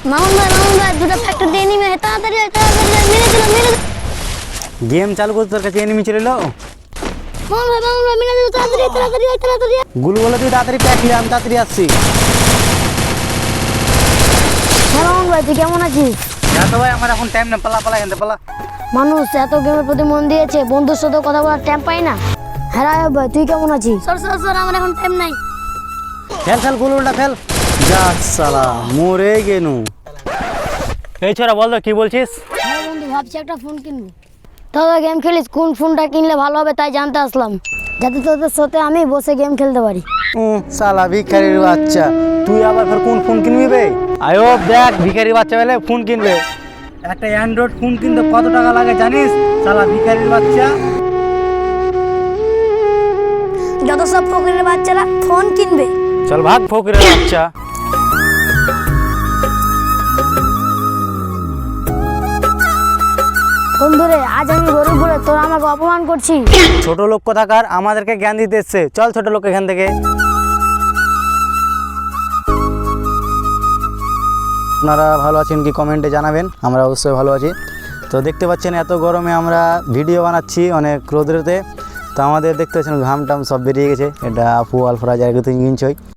মামুন ভাই দুটো factory enemy তাড়াতাড়ি মেরে দিল গেম চালু করতে তোর কাছে এনিমি চলে এলো। মামুন ভাই মেরে দিল তাড়াতাড়ি গুলু বলে তুই তাড়াতাড়ি প্যাক নিয়ে আমি তাড়াতাড়ি আসছি। মামুন ভাই তুই কেমন আছিস? তো ভাই আমার এখন টাইম না, পালা এখান থেকে পালা। মানুষ এত গেমের প্রতি মন দিয়েছে, বন্ধুর সাথে কথা বলার টাইম পাই না। হ্যাঁ ভাই তুই কেমন আছিস? স্যার আমার এখন টাইম নাই। ফেল গুলুটা ফেল। যা সালা মরে গেনু। এই ছোরা বল তো কি বলছিস? হ্যাঁ বন্ধু ভাবছি একটা ফোন কিনবো। তোরা গেম খেলিস, কোন ফোনটা কিনলে ভালো হবে তাই জানতে আসলাম, যাতে তোদের সাথে আমি বসে গেম খেলতে পারি। সালা ভিখারির বাচ্চা, তুই আবার ফের কোন ফোন কিনবি বে? আয়ো দেখ ভিখারির বাচ্চা বলে ফোন কিনবে। একটা অ্যান্ড্রয়েড ফোন কিনতে কত টাকা লাগে জানিস? সালা ভিখারির বাচ্চা। যত সব ফকিরের বাচ্চারা ফোন কিনবে। চল ভাগ ফকিরের বাচ্চা। বন্ধুরে আজ আমি গরিব বলে তোরা আমাকে অপমান করছিস। ছোট লোক কোথাকার আমাদেরকে জ্ঞান দিতে এসছে। চল ছোট লোক এখান থেকে। আপনারা ভালো আছেন কি কমেন্টে জানাবেন, আমরা অবশ্যই ভালো আছি। তো দেখতে পাচ্ছেন এত গরমে আমরা ভিডিও বানাচ্ছি অনেক রোদ্রেতে, তো আমাদের দেখতে পাচ্ছেন ঘাম টাম সব বেরিয়ে গেছে। এটা আপু আলফরাজ আর কিন্তু ইঞ্চই